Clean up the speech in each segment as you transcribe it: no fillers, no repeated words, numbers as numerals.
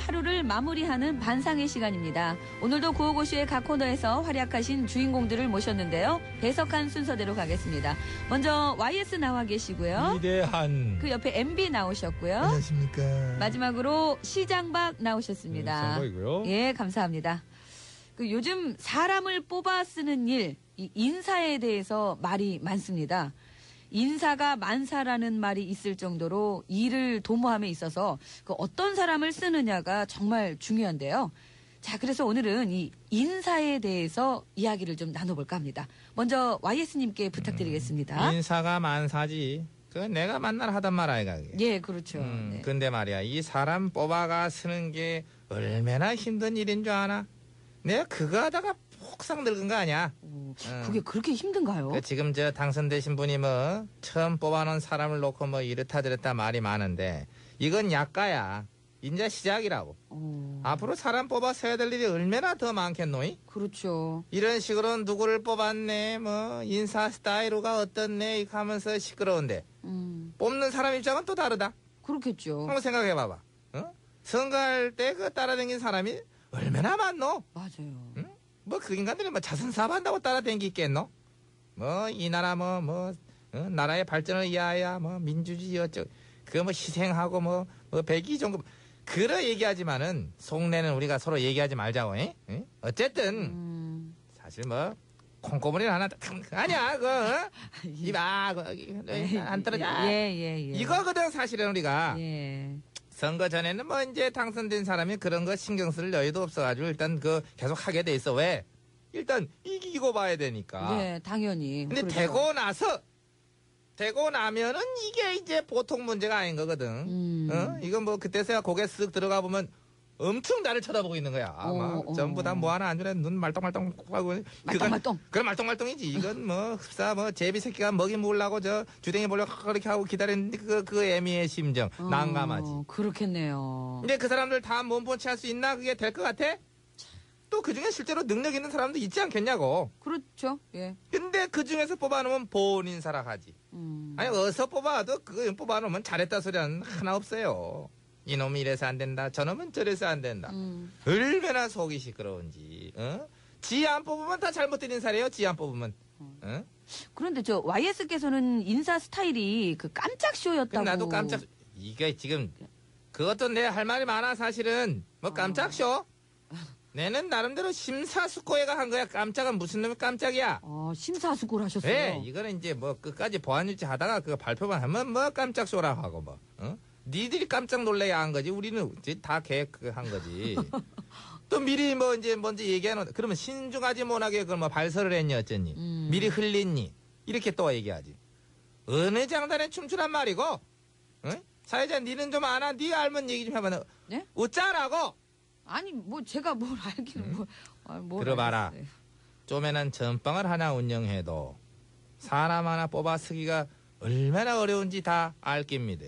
하루를 마무리하는 반상의 시간입니다. 오늘도 구호고쇼의 각 코너에서 활약하신 주인공들을 모셨는데요. 배석한 순서대로 가겠습니다. 먼저 YS 나와 계시고요. 위대한. 그 옆에 MB 나오셨고요. 안녕하십니까. 마지막으로 시장박 나오셨습니다. 상박이고요. 예, 감사합니다. 그 요즘 사람을 뽑아 쓰는 일, 이 인사에 대해서 말이 많습니다. 인사가 만사라는 말이 있을 정도로 일을 도모함에 있어서 그 어떤 사람을 쓰느냐가 정말 중요한데요. 자, 그래서 오늘은 이 인사에 대해서 이야기를 좀 나눠볼까 합니다. 먼저 YS님께 부탁드리겠습니다. 인사가 만사지. 그 내가 만날 하던 말 아이가 그게. 예, 그렇죠. 네. 근데 말이야 이 사람 뽑아가 쓰는 게 얼마나 힘든 일인 줄 아나? 내가 그거 하다가 폭삭 늙은 거 아니야? 그게 그렇게 힘든가요? 그 지금 저 당선되신 분이 뭐 처음 뽑아놓은 사람을 놓고 뭐 이렇다 저렇다 말이 많은데 이건 약가야. 인자 시작이라고. 앞으로 사람 뽑아 써야 될 일이 얼마나 더 많겠노이? 그렇죠. 이런 식으로 누구를 뽑았네, 뭐 인사 스타일가 어떻네 이렇게 하면서 시끄러운데 뽑는 사람 입장은 또 다르다. 그렇겠죠. 한번 생각해봐봐. 어? 선거할 때 그 따라다닌 사람이 얼마나 많노? 맞아요. 응? 뭐 그 인간들이 뭐 자선사업한다고 따라다니겠노? 뭐 이 나라 나라의 발전을 위하여 뭐 민주주의 어쩌고 그거 뭐 희생하고 뭐 백의종급 그러 얘기하지만은 속내는 우리가 서로 얘기하지 말자고. 응? 어쨌든 사실 뭐 콩고물이 하나 아니야 그거 이봐 안 떨어져. 예. 이거거든 사실은 우리가. 예. 선거 전에는 뭐 이제 당선된 사람이 그런 거 신경 쓸 여유도 없어가지고 일단 그 계속 하게 돼 있어. 왜? 일단 이기고 봐야 되니까. 네, 당연히. 근데 그렇죠. 되고 나면은 이게 이제 보통 문제가 아닌 거거든. 이건 뭐 그때서야 고개 쓱 들어가 보면 엄청 나를 쳐다보고 있는 거야. 막 전부 다 뭐 하나 안 주네. 눈 말똥말똥 하고. 말똥말똥. 그건 말똥말똥이지. 이건 뭐 흡사 뭐 제비 새끼가 먹이 먹으려고 저 주댕이 보려고 그렇게 하고 기다리는 그 애미의 심정. 난감하지. 그렇겠네요. 근데 그 사람들 다 몸본치 할 수 있나? 그게 될 것 같아? 또 그 중에 실제로 능력 있는 사람도 있지 않겠냐고. 그렇죠. 예. 근데 그 중에서 뽑아놓으면 본인 사랑하지. 아니 어디서 뽑아도 그거 뽑아놓으면 잘했다 소리는 하나 없어요. 이놈이 이래서 안 된다. 저놈은 저래서 안 된다. 얼마나 속이 시끄러운지. 어? 지 안 뽑으면 다 잘못된 인사래요. 지 안 뽑으면. 어? 그런데 저 YS께서는 인사 스타일이 그 깜짝 쇼였다고. 나도 깜짝. 이게 지금 그것도 내 할 말이 많아 사실은. 뭐 깜짝 쇼? 내는 나름대로 심사숙고해가 한 거야. 깜짝은 무슨 놈이 깜짝이야. 심사숙고를 하셨어요. 네, 이거는 이제 뭐 끝까지 보안 유지 하다가 그 발표만 하면 뭐 깜짝 쇼라고 하고 뭐. 어? 니들이 깜짝 놀래야 한 거지. 우리는 이제 다 계획한 거지. 또 미리 뭐 이제 먼저 얘기하는 그러면 신중하지 못하게 그걸 뭐 발설을 했니 어쨌니. 미리 흘렸니. 이렇게 또 얘기하지. 어느 장단에 춤추란 말이고. 어? 사회자 니는 좀 아나. 니 알면 얘기 좀 해봐. 네? 웃자라고. 아니 뭐 제가 뭘 알기는 뭘 들어봐라. 알겠어요. 쪼매난 전방을 하나 운영해도 사람 하나 뽑아 쓰기가 얼마나 어려운지 다 알 깁니다.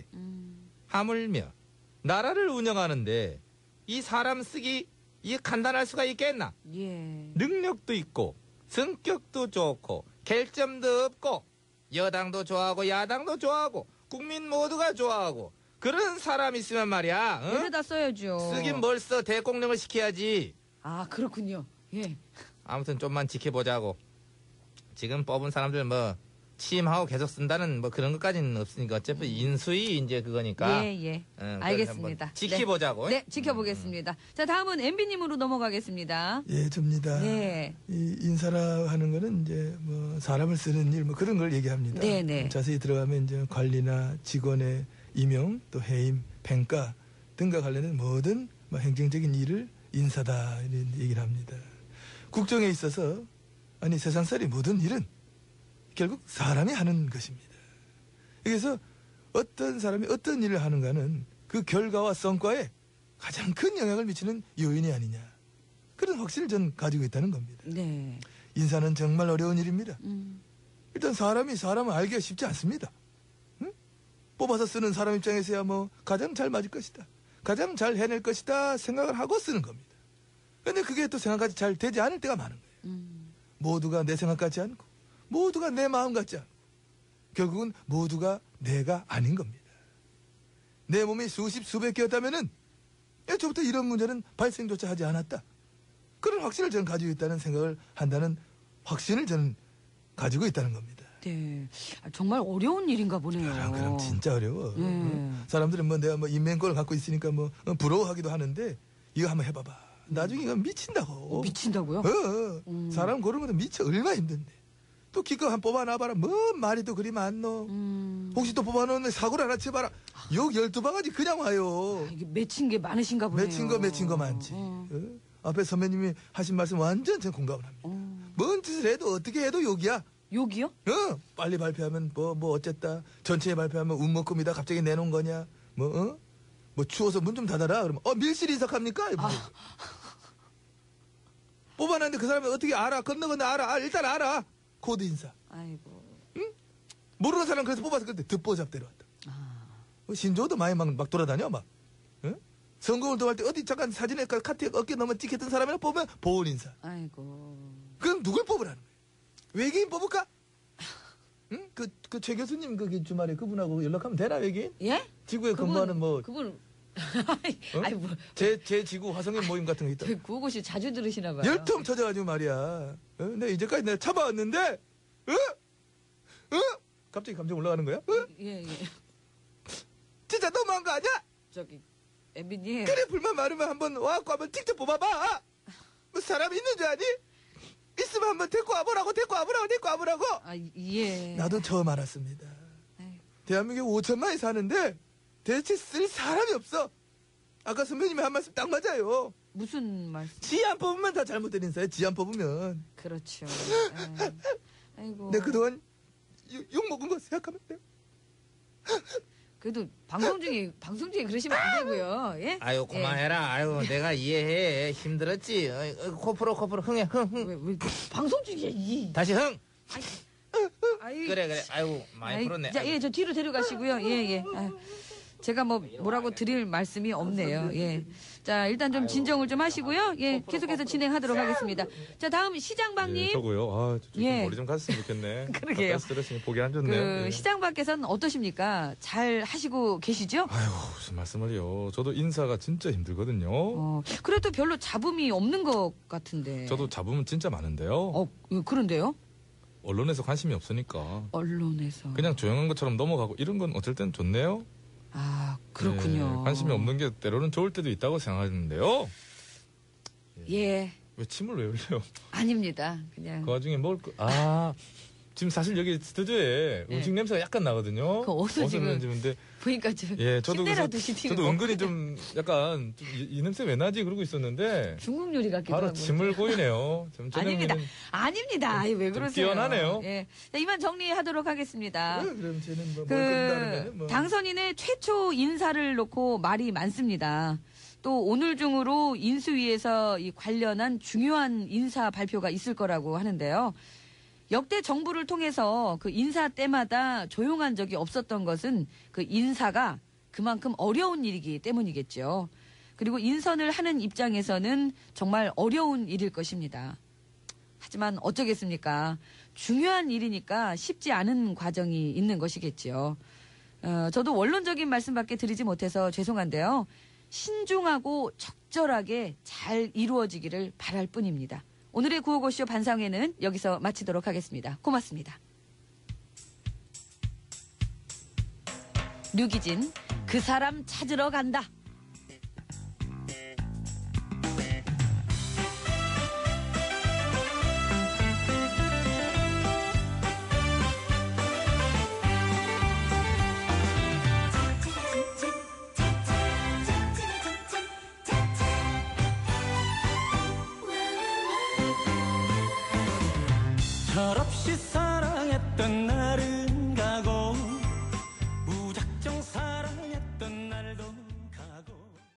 하물며 나라를 운영하는데 이 사람 쓰기 이 간단할 수가 있겠나? 예. 능력도 있고 성격도 좋고 결점도 없고 여당도 좋아하고 야당도 좋아하고 국민 모두가 좋아하고 그런 사람 있으면 말이야. 어? 데려다 써야죠. 쓰긴 뭘 써. 대공령을 시켜야지. 그렇군요. 예. 아무튼 좀만 지켜보자고. 지금 뽑은 사람들 뭐 취임하고 계속 쓴다는 뭐 그런 것까지는 없으니까 어차피 인수위 이제 그거니까. 예. 그걸 알겠습니다. 한번 지켜보자고. 네, 지켜보겠습니다. 자, 다음은 MB님으로 넘어가겠습니다. 예, 접니다. 네. 이 인사라 하는 거는 이제 뭐 사람을 쓰는 일 뭐 그런 걸 얘기합니다. 네네. 자세히 들어가면 이제 관리나 직원의 임용 또 해임, 평가 등과 관련된 모든 뭐 행정적인 일을 인사다 이런 얘기를 합니다. 국정에 있어서 아니 세상살이 모든 일은 결국 사람이 하는 것입니다. 그래서 어떤 사람이 어떤 일을 하는가는 그 결과와 성과에 가장 큰 영향을 미치는 요인이 아니냐. 그런 확신을 전 가지고 있다는 겁니다. 네. 인사는 정말 어려운 일입니다. 일단 사람이 사람을 알기가 쉽지 않습니다. 응? 뽑아서 쓰는 사람 입장에서야 뭐 가장 잘 맞을 것이다. 가장 잘 해낼 것이다 생각을 하고 쓰는 겁니다. 근데 그게 또 생각까지 잘 되지 않을 때가 많은 거예요. 모두가 내 생각 같지 않고 모두가 내 마음 같지 않고 결국은 모두가 내가 아닌 겁니다. 내 몸이 수십 수백 개였다면은 애초부터 이런 문제는 발생조차 하지 않았다. 그런 확신을 저는 가지고 있다는 생각을 한다는 확신을 저는 가지고 있다는 겁니다. 네. 정말 어려운 일인가 보네요. 그럼 진짜 어려워. 사람들은 뭐 내가 뭐 인명권을 갖고 있으니까 뭐 부러워하기도 하는데 이거 한번 해봐봐. 나중에 이거 미친다고. 미친다고요? 사람 고르는 것도 미쳐 얼마나 힘든데. 또 기껏 한 뽑아놔봐라. 뭔 말이 또 그리 많노. 혹시 또 뽑아놓으면 사고를 하나 쳐봐라. 욕 12바가지 그냥 와요. 이게 맺힌 게 많으신가 보네요. 맺힌 거 많지. 앞에 선배님이 하신 말씀 완전 전 공감을 합니다. 뭔 짓을 해도 어떻게 해도 욕이야. 욕이요? 빨리 발표하면 뭐 어쨌다. 전체에 발표하면 운목금이다. 갑자기 내놓은 거냐. 뭐 추워서 문 좀 닫아라. 그러면 밀실 인석합니까? 뽑아놨는데 그 사람이 어떻게 알아? 건너 알아. 일단 알아. 코드 인사. 아이고. 모르는 사람 그래서 뽑아서 그때 듣보잡 데려왔다. 신조도 많이 막 돌아다녀 막. 선거운동 동할 때 어디 잠깐 사진에 카트에 어깨 넘어 찍혔던 사람이나 뽑으면 보훈 인사. 아이고. 그럼 누굴 뽑으라는 거야? 외계인 뽑을까? 응? 그 최 교수님 그 주말에 그분하고 연락하면 되나 외계인? 예? 지구에 근무하는 뭐. 그분. 아니 뭐. 제 지구 화성인 모임 같은 거 있다. 구호고시 자주 들으시나 봐요. 열통 터져가지고 말이야. 내가 이제까지 내가 참아왔는데, 갑자기 감정 올라가는 거야? 예. 진짜 너무한 거 아니야? 저기 엠비님. 그래 불만 많으면 한번 와갖고 한번 직접 뽑아봐. 뭐 사람 있는 줄 아니? 있으면 한번 데리고 와보라고. 아 예. 나도 처음 알았습니다. 아이고. 대한민국에 5천만이 사는데 대체 쓸 사람이 없어. 아까 선배님이 한 말씀 딱 맞아요. 무슨 말씀? 지 안 뽑으면 다 잘못된 인사야. 지 안 뽑으면. 그렇죠. 아이고. 내가 그동안 욕 먹은 거 생각하면 돼요. 그래도 방송 중에 그러시면 안 되고요. 예? 아유 그만해라. 아유 내가 이해해. 힘들었지. 코프로 흥해. 왜 방송 중에 다시 흥. 아이. 그래. 아유 많이 풀었네. 자, 예, 저 뒤로 데려가시고요. 예. 아유, 제가 뭐라고 드릴 말씀이 없네요. 예. 자, 일단 좀 진정을 좀 하시고요. 예, 계속해서 진행하도록 하겠습니다. 자, 다음 시장박님. 저고요. 좀 예. 머리 좀 갔으면 좋겠네. 그러게요. 스트레스니 보기 안 좋네요. 예. 시장 밖에서는 어떠십니까? 잘 하시고 계시죠? 아이고 무슨 말씀을요. 저도 인사가 진짜 힘들거든요. 그래도 별로 잡음이 없는 것 같은데. 저도 잡으면 진짜 많은데요. 그런데요? 언론에서 관심이 없으니까 언론에서. 그냥 조용한 것처럼 넘어가고 이런 건 어쩔 땐 좋네요. 아, 그렇군요. 예, 관심이 없는 게 때로는 좋을 때도 있다고 생각하는데요. 예. 왜 침을 왜 흘려요? 아닙니다. 그냥. 그 와중에 지금 사실 여기 스튜디오에 네. 음식 냄새가 약간 나거든요. 그거 어디서 지금 냄새인데 보니까 좀 저도 침대라도 시티고. 저도 은근히 좀 약간 이 냄새 왜 나지 그러고 있었는데 중국 요리 같기도 바로 하고. 침을 고이네요. 아닙니다. 아닙니다. 아이, 왜 좀 그러세요? 뛰어나네요. 예. 자, 이만 정리하도록 하겠습니다. 그럼 쟤는 뭘 끈다는 뭐. 당선인의 최초 인사를 놓고 말이 많습니다. 또 오늘 중으로 인수위에서 이 관련한 중요한 인사 발표가 있을 거라고 하는데요. 역대 정부를 통해서 그 인사 때마다 조용한 적이 없었던 것은 그 인사가 그만큼 어려운 일이기 때문이겠죠. 그리고 인선을 하는 입장에서는 정말 어려운 일일 것입니다. 하지만 어쩌겠습니까? 중요한 일이니까 쉽지 않은 과정이 있는 것이겠죠. 저도 원론적인 말씀밖에 드리지 못해서 죄송한데요. 신중하고 적절하게 잘 이루어지기를 바랄 뿐입니다. 오늘의 구호고쇼 반상회는 여기서 마치도록 하겠습니다. 고맙습니다. 류기진, 그 사람 찾으러 간다. 철없이 사